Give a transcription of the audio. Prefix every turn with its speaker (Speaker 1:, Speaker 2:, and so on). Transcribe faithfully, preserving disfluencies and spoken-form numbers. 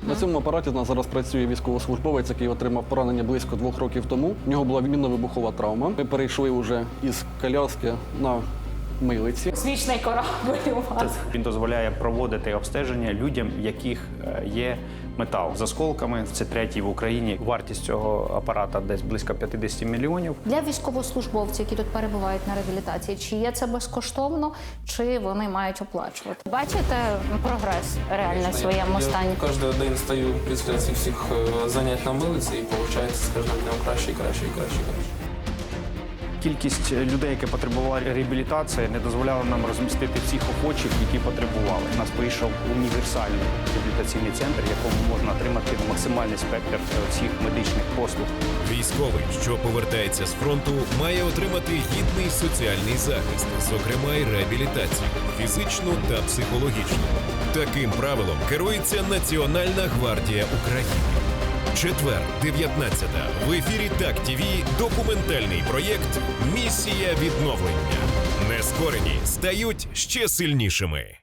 Speaker 1: Uh-huh. На цьому апараті у нас зараз працює військовослужбовець, який отримав поранення близько двох років тому. У нього була мінно-вибухова травма. Ми перейшли вже із коляски на милиці.
Speaker 2: Космічний корабль у вас.
Speaker 3: Він дозволяє проводити обстеження людям, в яких є метал з осколками. Це третій в Україні. Вартість цього апарата десь близько п'ятдесят мільйонів.
Speaker 2: Для військовослужбовців, які тут перебувають на реабілітації, чи є це безкоштовно, чи вони мають оплачувати? Бачите прогрес реально в своєму стані?
Speaker 4: Я кожен день стою після цих всіх занять на милиці і виходить з кожним днем краще і краще і краще і краще.
Speaker 3: Кількість людей, які потребували реабілітації, не дозволяла нам розмістити всіх охочих, які потребували. У нас вийшов універсальний реабілітаційний центр, в якому можна отримати максимальний спектр всіх медичних послуг.
Speaker 5: Військовий, що повертається з фронту, має отримати гідний соціальний захист, зокрема й реабілітацію, фізичну та психологічну. Таким правилом керується Національна гвардія України. Четвер, дев'ятнадцяте. В ефірі Так-ТВ документальний проєкт «Місія відновлення». Нескорені стають ще сильнішими.